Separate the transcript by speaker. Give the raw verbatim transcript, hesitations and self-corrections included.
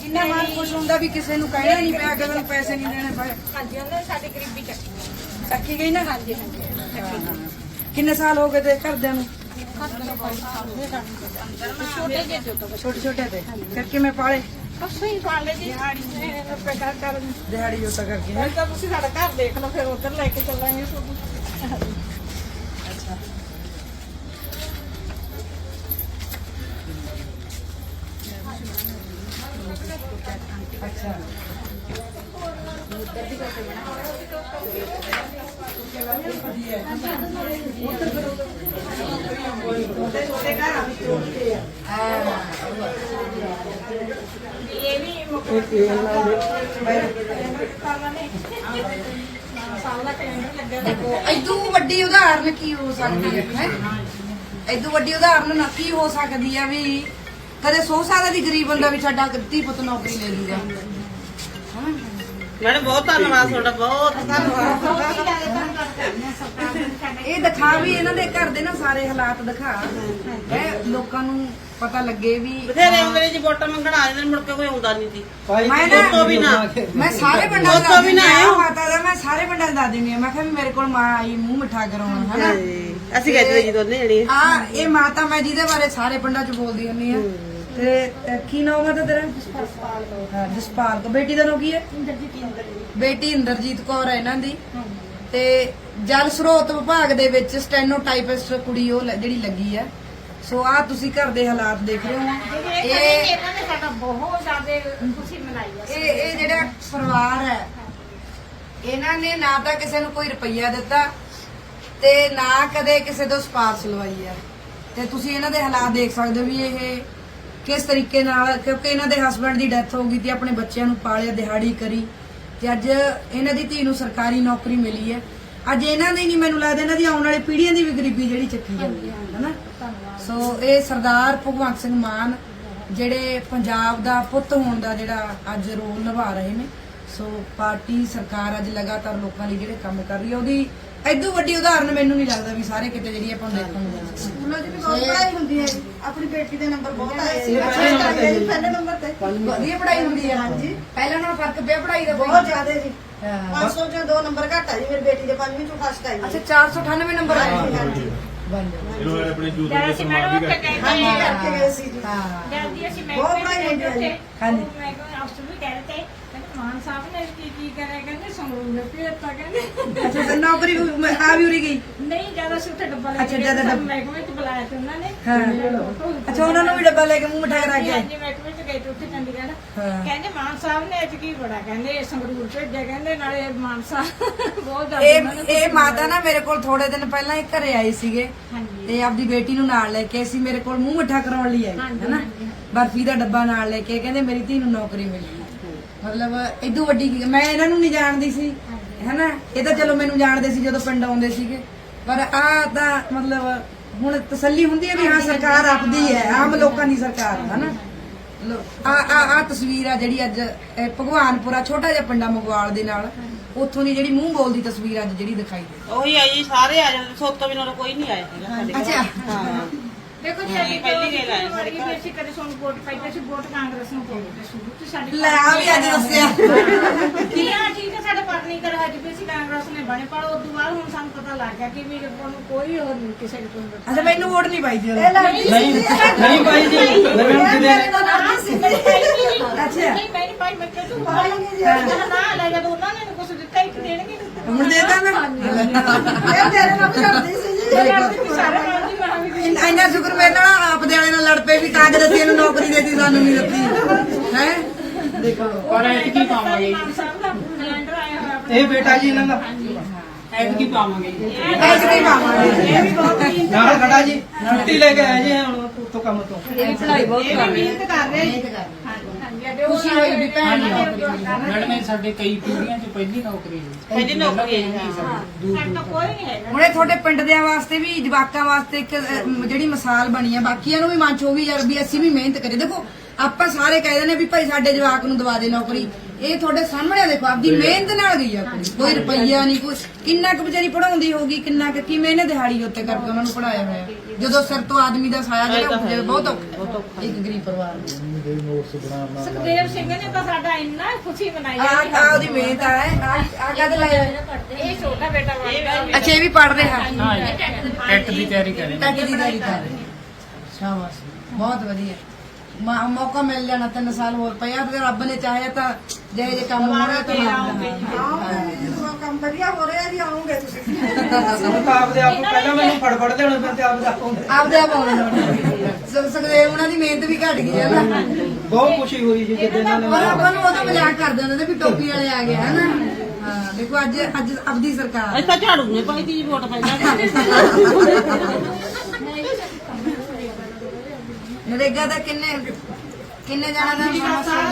Speaker 1: ਇੰਨਾ ਮਨ ਖੁਸ਼ ਹੁੰਦਾ ਵੀ ਕਿਸੇ ਨੂੰ ਕਹਿਣਾ ਨਹੀਂ ਪਿਆ ਕਿ ਮੈਨੂੰ ਪੈਸੇ ਨਹੀਂ ਦੇਣੇ ਪਏ।
Speaker 2: ਹਾਂਜੀ ਉਹਨੇ ਸਾਡੀ ਗਰੀਬੀ ਚੱਕੀ
Speaker 1: ਚੱਕੀ ਗਈ ਨਾ।
Speaker 2: ਹਾਂਜੀ ਹਾਂਜੀ
Speaker 1: ਕਿੰਨੇ ਸਾਲ ਹੋ ਗਏ ਤੇ ਘਰਦਿਆਂ ਨੂੰ?
Speaker 2: ਛੋਟੇ ਜਿਹੇ ਤੋਂ
Speaker 1: ਛੋਟੇ ਛੋਟੇ ਤੇ ਫਿਰ ਕਿਵੇਂ ਪਾਲੇ?
Speaker 2: ਬਸ ਹੀ ਪਾਲੇ ਜੀ ਦਿਹਾੜੀ ਰੁਪਏ ਕਰ ਕਰ
Speaker 1: ਦਿਹਾੜੀ ਜੋਤਾ ਕਰਕੇ ਹੈਂ?
Speaker 2: ਤਾਂ ਤੁਸੀਂ ਸਾਡਾ ਘਰ ਦੇਖ ਲਓ ਫਿਰ ਉਧਰ ਲੈ ਕੇ ਚੱਲਾਂਗੇ ਤੁਹਾਨੂੰ।
Speaker 1: ਅੱਛਾ ਅੱਛਾ
Speaker 2: ਇਹ ਵੀ ਸਾਲ ਦਾ ਕੈਲੰਡਰ ਲੱਗਿਆ
Speaker 1: ਦੇਖੋ ਇਦੋਂ ਵੱਡੀ ਉਦਾਹਰਨ ਕੀ ਹੋ ਸਕਦੀ ਹੈ ਹੈ ਇਦੋਂ ਵੱਡੀ ਉਦਾਹਰਨ ਨਾ ਕੀ ਹੋ ਸਕਦੀ ਹੈ ਵੀ ਕਦੇ ਸੌ ਸਾਲਾਂ ਦੀ ਗਰੀਬ ਬੰਦਾ ਵੀ ਸਾਡਾ ਧੀ ਪੁੱਤ ਨੌਕਰੀ ਲੈ ਲੂਗਾ।
Speaker 3: ਮੈਡਮ ਬਹੁਤ ਧੰਨਵਾਦ ਤੁਹਾਡਾ, ਬਹੁਤ ਧੰਨਵਾਦ।
Speaker 1: ਇਹ ਦਿਖਾ ਵੀ ਇਹਨਾਂ ਦੇ ਘਰ ਦੇ ਨਾ ਸਾਰੇ ਹਾਲਾਤ ਦਿਖਾ ਹੈ ਲੋਕਾਂ ਨੂੰ ਪਤਾ ਲੱਗੇ ਵੀ
Speaker 3: ਬਥੇਰੇ ਆਉਂਦੇ ਜੀ ਵੋਟਾਂ ਮੰਗਣ ਆ ਜਾਂਦੇ, ਮੁੜ ਕੇ ਕੋਈ ਆਉਂਦਾ ਨਹੀਂ ਸੀ।
Speaker 1: ਮੈਂ
Speaker 3: ਦੋਸਤੋ ਵੀ ਨਾ
Speaker 1: ਮੈਂ ਸਾਰੇ ਪਿੰਡਾਂ
Speaker 3: ਦੋਸਤੋ
Speaker 1: ਦਾ
Speaker 3: ਵੀ ਨਾ ਆਏ।
Speaker 1: ਮਾਤਾ ਦਾ ਮੈਂ ਸਾਰੇ ਪਿੰਡਾਂ ਦਾ ਦੱਸ ਦਿੰਦੀ ਹਾਂ। ਮੈਂ ਕਿਹਾ ਵੀ ਮੇਰੇ ਕੋਲ ਮਾਂ ਆਈ ਮੂੰਹ ਮਿੱਠਾ ਕਰਾਉਣ ਹਨਾ।
Speaker 3: ਅਸੀਂ ਕਹਿੰਦੇ ਜੀ ਦੋਨੇ ਜਣੇ
Speaker 1: ਆ ਇਹ ਮਾਤਾ ਮੈਂ ਜਿਹਦੇ ਬਾਰੇ ਸਾਰੇ ਪਿੰਡਾਂ 'ਚ ਬੋਲਦੀ ਹੁੰਦੀ ਆ। ਤੇ ਕੀ ਨਾਮ ਆ ਤੇਰਾ? ਹਾਂ ਜਸਪਾਲ ਕੋ। ਬੇਟੀ ਦਾ ਨਾਮ ਕੀ ਹੈ? ਬੇਟੀ ਇੰਦਰਜੀਤ ਕੌਰ ਹੈ ਇਹਨਾਂ ਦੀ। ਤੇ ਜਲ ਸਰੋਤ ਵਿਭਾਗ ਦੇ ਵਿੱਚ ਸਟੈਨੋਟਾਈਪਿਸਟ ਕੁੜੀ ਉਹ ਲ- ਜਿਹੜੀ ਲੱਗੀ ਆ। ਸੋ ਆ ਤੁਸੀਂ ਘਰ ਦੇ ਹਾਲਾਤ ਦੇਖ ਰਹੇ ਹੋ।
Speaker 2: ਇਹ
Speaker 1: ਇਹ
Speaker 2: ਇਹਨਾਂ ਨੇ ਸਾਡਾ ਬਹੁਤ ਜ਼ਿਆਦਾ ਖੁਸ਼ੀ ਮਨਾਈ ਹੈ।
Speaker 1: ਇਹ ਇਹ ਜਿਹੜਾ ਪਰਿਵਾਰ ਹੈ ਇਹਨਾਂ ਨੇ ਨਾ ਤਾਂ ਕਿਸੇ ਨੂੰ ਕੋਈ ਰੁਪਈਆ ਦਿੱਤਾ ਤੇ ਨਾ ਕਦੇ ਕਿਸੇ ਤੋਂ ਸਿਫਾਰਿਸ਼ ਲਵਾਈ ਹੈ। ਤੇ ਤੁਸੀਂ ਇਹਨਾਂ ਦੇ ਹਾਲਾਤ ਦੇਖ ਸਕਦੇ ਹੋ ਵੀ ਇਹ ਕਿਸ ਤਰੀਕੇ ਨਾਲ, ਕਿਉਂਕਿ ਇਹਨਾਂ ਦੇ ਹਸਬੰਡ ਦੀ ਡੈਥ ਹੋ ਗਈ ਤੇ ਆਪਣੇ ਬੱਚਿਆਂ ਨੂੰ ਪਾਲਿਆ, ਦਿਹਾੜੀ ਕਰੀ ਤੇ ਅੱਜ ਇਹਨਾਂ ਦੀ ਧੀ ਨੂੰ ਸਰਕਾਰੀ ਨੌਕਰੀ ਮਿਲੀ ਹੈ। ਅੱਜ ਇਹਨਾਂ ਦੀ ਨਹੀਂ, ਮੈਨੂੰ ਲੱਗਦਾ ਇਹਨਾਂ ਦੀ ਆਉਣ ਵਾਲੀ ਪੀੜ੍ਹੀਆਂ ਦੀ ਵੀ ਗਰੀਬੀ ਜਿਹੜੀ ਚੱਕੀ ਜਾਂਦੀ ਹੈ ਹਨਾ। ਸੋ ਇਹ ਸਰਦਾਰ ਭਗਵੰਤ ਸਿੰਘ ਮਾਨ ਜਿਹੜੇ ਪੰਜਾਬ ਦਾ ਪੁੱਤ ਹੋਣ ਦਾ ਜਿਹੜਾ ਅੱਜ ਰੋਲ ਨਿਭਾ ਰਹੇ ਨੇ। ਸੋ ਪਾਰਟੀ ਸਰਕਾਰ ਅੱਜ ਲਗਾਤਾਰ ਲੋਕਾਂ ਲਈ ਜਿਹੜੇ ਕੰਮ ਕਰ ਰਹੀ ਹੈ ਉਹਦੀ ਐਦੋਂ ਵੱਡੀ ਉਦਾਹਰਨ ਮੈਨੂੰ ਨਹੀਂ ਲੱਗਦਾ ਵੀ ਸਾਰੇ ਕਿਤੇ ਜਿਹੜੀ ਆਪਾਂ ਦੇਖਣ ਨੂੰ ਮਿਲਦੀ।
Speaker 4: ਸਕੂਲਾਂ 'ਚ ਵੀ ਬਹੁਤ ਪੜ੍ਹਾਈ ਹੁੰਦੀ ਹੈ। ਆਪਣੀ ਬੇਟੀ ਦੇ ਨੰਬਰ ਬਹੁਤ ਆਏ ਸੀ ਪਹਿਲੇ ਨੰਬਰ ਤੇ।
Speaker 1: ਵਧੀਆ ਪੜ੍ਹਾਈ ਹੁੰਦੀ ਹੈ। ਹਾਂਜੀ ਪਹਿਲਾਂ ਨਾਲੋਂ ਫਰਕ ਪਿਆ ਪੜ੍ਹਾਈ ਦਾ
Speaker 4: ਬਹੁਤ ਜ਼ਿਆਦਾ ਜੀ।
Speaker 1: ਹਾਂ।
Speaker 4: ਪੰਜ ਸੌ ਚੋਂ ਦੋ ਨੰਬਰ ਘੱਟ ਆ ਜੀ ਮੇਰੀ ਬੇਟੀ ਦੇ ਪੰਜਵੀਂ ਚੋਂ ਫਸਟ ਆਈ
Speaker 1: ਅੱਛਾ ਚਾਰ ਸੌ ਅਠਾਨਵੇਂ ਨੰਬਰ ਆਏ
Speaker 4: ਹਾਂਜੀ ਹਾਂਜੀ
Speaker 1: ਬਣ ਜਾਓ।
Speaker 5: ਇਹਨਾਂ ਨੇ ਆਪਣੇ ਯੂਥ
Speaker 2: ਜਦ
Speaker 5: ਦੇ
Speaker 2: ਅਸੀਂ
Speaker 5: ਸਨਮਾਨ
Speaker 2: ਮੈਡਮ
Speaker 5: ਵੀ
Speaker 2: ਉੱਥੇ
Speaker 5: ਕਰਕੇ
Speaker 2: ਗਏ
Speaker 4: ਹਾਂਜੀ
Speaker 2: ਹਾਂ
Speaker 4: ਕਰਕੇ ਗਏ ਸੀ ਜੀ।
Speaker 1: ਹਾਂ
Speaker 2: ਜਲਦੀ ਅਸੀਂ ਮੈਂ
Speaker 4: ਬਹੁਤ ਪੜ੍ਹਾਈ ਹੁੰਦੀ ਹੈ ਜੀ।
Speaker 1: ਹਾਂਜੀ।
Speaker 2: ਮੈਂ ਕਿਹਾ ਅਫਸਰ ਵੀ ਕਹਿ ਰਹੇ ਤੇ ਕਹਿੰਦੇ ਮਾਨ ਸਾਹਿਬ ਨੇ ਕੀ ਕੀ ਕਰਿਆ, ਕਹਿੰਦੇ ਸੰਗਰੂਰ ਭੇਜਤਾ ਕਹਿੰਦੇ।
Speaker 1: ਅੱਛਾ ਤੇ ਨੌਕਰੀ ਮੈਂ ਆ ਵੀ ਉਰੀ ਗਈ।
Speaker 2: ਨਹੀਂ ਜਿਆਦਾ ਅਸੀਂ ਉੱਥੇ ਡੱਬਾ ਲੈ
Speaker 1: ਅੱਛਾ,
Speaker 2: ਕੇ
Speaker 1: ਜ਼ਿਆਦਾ
Speaker 2: ਗਏ,
Speaker 1: ਡੱਬਾ-
Speaker 2: ਮਹਿਕਮੇ ਚ ਬੁਲਾਇਆ ਤੇ ਉਹਨਾਂ ਨੇ।
Speaker 1: ਹਾਂ ਅੱਛਾ ਉਹਨਾਂ ਨੂੰ ਵੀ ਡੱਬਾ ਲੈ ਕੇ ਮੂੰਹ ਮਿਠਾ ਕਰਾ ਕੇ ਆਏ।
Speaker 2: ਹਾਂਜੀ ਮਹਿਕਮੇ ਚ ਗਏ ਤੇ ਉੱਥੇ ਚੰਡੀਗੜ੍ਹ।
Speaker 1: ਹਾਂ।
Speaker 2: ਕਹਿੰਦੇ ਮਾਨ ਸਾਹਿਬ ਨੇ ਅੱਜ ਕੀ ਬੜਾ, ਕਹਿੰਦੇ ਸੰਗਰੂਰ ਭੇਜਿਆ, ਕਹਿੰਦੇ ਨਾਲੇ ਮਾਨ ਸਾਹਿਬ ਬਹੁਤ ਜ਼ਿਆਦਾ
Speaker 1: ਇਹ
Speaker 2: ਉਹਨਾਂ ਨੂੰ
Speaker 1: ਇਹ ਮਾਤਾ ਨਾ ਮੇਰੇ ਕੋਲ ਥੋੜੇ ਦਿਨ ਪਹਿਲਾਂ ਹੀ ਘਰੇ ਆਈ ਸੀਗੇ
Speaker 2: ਹਾਂਜੀ
Speaker 1: ਤੇ ਆਪਦੀ ਬੇਟੀ ਨੂੰ ਨਾਲ ਲੈ ਕੇ ਅਸੀਂ ਮੇਰੇ ਕੋਲ ਮੂੰਹ ਮਿੱਠਾ ਕਰਾਉਣ ਲਈ ਆਈ
Speaker 2: ਹਾਂਜੀ,
Speaker 1: ਹੈਨਾ।
Speaker 2: ਹਾਂਜੀ।
Speaker 1: ਬਰਫੀ ਦਾ ਡੱਬਾ ਨਾਲ ਲੈ ਕੇ ਕਹਿੰਦੇ ਮੇਰੀ ਧੀ ਨੂੰ ਨੌਕਰੀ ਮਿਲੀ। ਮਤਲਬ ਇਦੋਂ ਵੱਡੀ ਕੀ- ਮੈਂ ਇਹਨਾਂ ਨੂੰ ਨਹੀਂ ਜਾਣਦੀ ਸੀ ਹੈਨਾ। ਇਹ ਤਾਂ ਚਲੋ ਮੈਨੂੰ ਜਾਣਦੇ ਸੀ ਜਦੋਂ ਪਿੰਡ ਆਉਂਦੇ ਸੀਗੇ, ਪਰ ਆ ਤਾਂ ਮਤਲਬ ਹੁਣ ਤਸੱਲੀ ਹੁੰਦੀ ਹੈ ਵੀ ਹਾਂ ਸਰਕਾਰ ਆਪਦੀ ਹੈ, ਆਮ ਲੋਕਾਂ ਦੀ ਸਰਕਾਰ ਹੈ ਨਾ। ਆ ਆ ਆ ਤਸਵੀਰ ਆ ਜਿਹੜੀ ਅੱਜ ਇਹ ਭਗਵਾਨਪੁਰਾ ਛੋਟਾ ਜਿਹਾ ਪਿੰਡਾ ਮਗਵਾਲ ਦੇ ਨਾਲ ਉੱਥੋਂ ਦੀ ਜਿਹੜੀ ਮੂੰਹ ਬੋਲਦੀ ਤਸਵੀਰ ਅੱਜ ਜਿਹੜੀ ਦਿਖਾਈ ਦੇ।
Speaker 3: ਉਹੀ ਆਈ ਜੀ, ਸਾਰੇ ਆ ਜਾਂਦੇ, ਸੋਤੋਂ ਬਿਨਾਂ ਤਾਂ ਕੋਈ ਨਹੀਂ ਆਇਆ ਹੈਗਾ ਸਾਡੇ ਕੋਲ।
Speaker 1: ਅੱਛਾ
Speaker 3: ਹਾਂ
Speaker 2: ਦੇਖੋ ਜੀ
Speaker 3: ਹਾਂ,
Speaker 2: ਅਸੀਂ
Speaker 3: ਪਹਿਲੀ ਗੱਲ ਆਏ ਸਾਡੇ ਘਰ।
Speaker 2: ਅਸੀਂ ਕਦੇ ਸਾਨੂੰ ਵੋਟ ਪਾਈ ਤੇ ਅਸੀਂ ਵੋਟ ਕਾਂਗਰਸ ਨੂੰ ਪਾਉਂਦੇ ਤੇ ਸ਼ੁਰੂ ਤੋਂ ਸਾਡੀ
Speaker 1: ਲੈ ਆ ਵੀ ਅੱਜ ਦੱਸਿਆ।
Speaker 2: ਕੀ ਆ ਠੀਕ ਹੈ ਸਾਡੇ ਪਾਰਟੀ ਕਰ ਅੱਜ ਵੀ ਅਸੀਂ ਕਾਂਗਰਸ ਨੇ ਬਣੇ, ਪਰ ਉਸ ਤੋਂ ਬਾਅਦ ਹੁਣ ਸਾਨੂੰ ਪਤਾ ਲੱਗ ਗਿਆ ਕਿ ਵੀ ਆਪਾਂ ਨੂੰ ਕੋਈ ਹੋਰ ਨਹੀਂ ਕਿਸੇ ਦੇ ਕੋਲ ਵੋਟ।
Speaker 1: ਅੱਛਾ ਮੈਨੂੰ ਵੋਟ ਨਹੀਂ ਪਾਈ ਜੀ
Speaker 4: ਇਹ ਲੜਕੀ ਸੀ
Speaker 6: ਨਹੀਂ ਨਹੀਂ ਭਾਈ ਜੀ
Speaker 4: ਇਹ ਮੇਰੇ ਨਾਲ ਲੜਕੀ ਸੀ।
Speaker 1: ਅੱਛਾ।
Speaker 2: ਨਹੀਂ ਮੈਂ ਨਹੀਂ ਪਾਈ, ਮੈਂ ਕਿਹਾ ਤੂੰ
Speaker 4: ਪਾਈ ਨਹੀਂ ਜੀ।
Speaker 2: ਨਾ ਨਾ ਲੈ ਜਦੋਂ ਉਹਨਾਂ ਨੇ ਕੁਝ ਦਿੱਤਾ ਇੱਕ ਦੇਣਗੇ।
Speaker 1: ਹੁਣ ਦੇਤਾ ਨਾ
Speaker 4: ਇਹ ਮੇਰੇ ਨਾਲ ਵੀ ਲੜਦੀ ਸੀ ਜੀ।
Speaker 2: ਸਾਰੇ ਨਾਲ ਦੀ ਮੈਂ ਵੀ
Speaker 1: ਇੰਨਾ ਇੰਨਾ ਸ਼ੁਕਰ ਮੇਰੇ ਨਾਲ ਆਪ ਦੇ ਵਾਲੇ ਨਾਲ ਲੜ ਪਏ ਵੀ ਕਾਂਗਰਸ ਇਹਨੂੰ ਨੌਕਰੀ ਦੇਤੀ ਸਾਨੂੰ ਨਹੀਂ ਦਿੱਤੀ ਹੈ। ਦੇਖੋ
Speaker 6: ਪਰ ਐਤਕੀ ਪਾਵਾਂਗੇ
Speaker 2: ਮਾਨ ਸਾਹਿਬ ਦਾ ਕੈਲੰਡਰ ਆਇਆ ਹੋਇਆ ਆਪਣਾ।
Speaker 6: ਇਹ ਬੇਟਾ ਜੀ ਇਹਨਾਂ ਦਾ ਐਤਕੀ ਪਾਵਾਂਗੇ
Speaker 1: ਐਸ ਨਹੀਂ ਪਾਵਾਂਗੇ।
Speaker 2: ਇਹ ਵੀ ਬਹੁਤ
Speaker 6: ਨਾਲ ਖੜਾ ਜੀ ਛੁੱਟੀ ਲੈ ਕੇ ਆਏ ਜੀ ਹੁਣ ਉੱਥੋਂ ਕੰਮ ਤੋਂ।
Speaker 1: ਇਹ ਪੜ੍ਹਾਈ ਬਹੁਤ
Speaker 2: ਇਹ
Speaker 1: ਕਰ
Speaker 2: ਵੀ
Speaker 1: ਰਹੀ
Speaker 2: ਮਿਹਨਤ ਕਰ ਰਹੇ
Speaker 1: ਮਿਹਨਤ ਕਰ ਰਹੀ।
Speaker 2: ਹਾਂਜੀ ਹਾਂਜੀ ਉਹ
Speaker 1: ਖੁਸ਼ੀ ਹੋਈ ਵੀ ਭੈਣ ਦੀ ਨੌਕਰੀ ਮਿਲੀ।
Speaker 6: ਮੈਡਮ ਇਹ ਸਾਡੇ ਕਈ ਪੀੜ੍ਹੀਆਂ 'ਚ ਪਹਿਲੀ ਨੌਕਰੀ ਹੈ
Speaker 3: ਪਹਿਲੀ ਨੌਕਰੀ ਹੈ ਜੀ।
Speaker 2: ਸਾਡੇ ਤਾਂ ਕੋਈ ਨਹੀਂ ਹੈਗਾ।
Speaker 1: ਹੁਣ ਇਹ ਤੁਹਾਡੇ ਪਿੰਡ ਦਿਆਂ ਵਾਸਤੇ ਵੀ ਜਵਾਕਾਂ ਵਾਸਤੇ ਇੱਕ ਅਹ, ਜਿਹੜੀ ਮਿਸਾਲ ਬਣੀ ਆ, ਬਾਕੀਆਂ ਨੂੰ ਵੀ ਮਨ ਚ ਹੋਊਗੀ ਯਾਰ ਵੀ ਅਸੀਂ ਵੀ ਮਿਹਨਤ ਕਰੀਏ। ਦੇਖੋ ਆਪਾਂ ਸਾਰੇ ਕਹਿ ਦਿੰਦੇ ਵੀ ਭਾਈ ਸਾਡੇ ਜਵਾਕ ਨੂੰ ਦਵਾ ਦੇ ਨੌਕਰੀ, ਇਹ ਤੁਹਾਡੇ ਸਾਹਮਣੇ ਆ, ਦੇਖੋ ਆਪਦੀ ਮਿਹਨਤ ਨਾਲ ਗਈ ਆ ਕੁੜੀ, ਕੋਈ ਰੁਪਈਆ ਨਹੀਂ, ਕੋਈ ਕਿੰਨਾ ਕੁ ਵਿਚਾਰੀ ਪੜਾਉਂਦੀ ਹੋਊਗੀ, ਕਿੰਨਾ ਕੁ ਕਿਵੇਂ ਇਹਨੇ ਦਿਹਾੜੀ ਉੱਤੇ ਕਰਕੇ ਉਹਨਾਂ ਨੂੰ ਪੜਾਇਆ ਹੋਇਆ, ਜਦੋਂ ਸਿਰ ਤੋਂ ਆਦਮੀ ਦਾ ਸਾਇਆ ਜਿਹੜਾ ਉੱਠ ਜਾਵੇ ਬਹੁਤ ਔਖਾ ਹੈ ਇੱਕ ਗਰੀਬ ਪਰਿਵਾਰ ਨੂੰ।
Speaker 2: ਸੁਖਦੇਵ ਸਿੰਘ ਨੇ ਤਾਂ ਸਾਡਾ ਇੰਨਾ ਖੁਸ਼ੀ ਮਨਾਈ
Speaker 1: ਆ
Speaker 2: ਹੈ।
Speaker 1: ਆ ਉਹਦੀ ਮਿਹਨਤ ਆ ਆ ਆ ਕਦ ਲਾਇਆ
Speaker 2: ਇਹ ਛੋਟਾ ਬੇਟਾ ਬਣਦਾ
Speaker 1: ਅੱਛਾ ਇਹ ਵੀ ਪੜ ਰਿਹਾ
Speaker 6: ਟੈਟ ਦੀ ਤਿਆਰੀ ਕਰ ਰਹੇ
Speaker 1: ਟੱਕ ਦੀ ਤਿਆਰੀ ਕਰ ਰਹੇ ਸ਼ਾਬਾਸ਼ ਬਹੁਤ ਵਧੀਆ ਮਾ- ਮੌਕਾ ਮਿਲ ਜਾਣਾ ਤਿੰਨ ਸਾਲ ਹੋਰ ਪਿਆ ਤੇ ਰੱਬ ਨੇ ਚਾਹਿਆ ਤਾਂ ਜਿਹੇ ਜੇ ਕੰਮ ਹੋ ਰਿਹਾ ਤਾਂ
Speaker 4: ਆਉਂਗੇ ਜਦੋਂ ਕੰਮ ਵਧੀਆ ਹੋ ਰਿਹਾ ਜੀ ਆਉਂਗੇ ਤੁਸੀਂ
Speaker 6: ਸਾਨੂੰ ਤਾਂ ਆਪਦੇ ਆਪ ਨੂੰ ਪਹਿਲਾਂ ਮੈਨੂੰ ਫੜ ਫੜ ਲਿਆਉਣਾ ਫਿਰ ਤੇ ਆਪਦੇ ਆਪ ਆਉਂਦੇ
Speaker 1: ਆਪਦੇ ਆਪ ਆਉਣਾ ਸਕਦੇ ਉਹਨਾਂ ਦੀ ਮਿਹਨਤ ਵੀ ਘਟ ਗਈ ਹੈ ਨਾ
Speaker 6: ਬਹੁਤ ਖੁਸ਼ੀ ਹੋਈ ਜੀ ਜਦੋਂ ਇਹਨਾਂ ਨੇ
Speaker 1: ਪਰ ਆਪਾਂ ਨੂੰ ਉਹਦਾ ਮਜ਼ਾਕ ਕਰਦੇ ਹੁੰਦੇ ਨੇ ਵੀ ਟੋਪੀ ਵਾਲੇ ਆ ਗਏ ਹਨਾ ਹਾਂ ਦੇਖੋ ਅੱਜ ਅੱਜ ਆਪਦੀ ਸਰਕਾਰ
Speaker 3: ਅਸੀਂ ਤਾਂ ਝਾੜੂ ਨਹੀਂ ਪਾਈ ਤੀ ਵੋਟ ਪੈਂਦਾ
Speaker 1: ਨਰੇਗਾ ਦਾ ਕਿੰਨੇ ਕਿੰਨੇ ਜਾਣਾ ਦਾ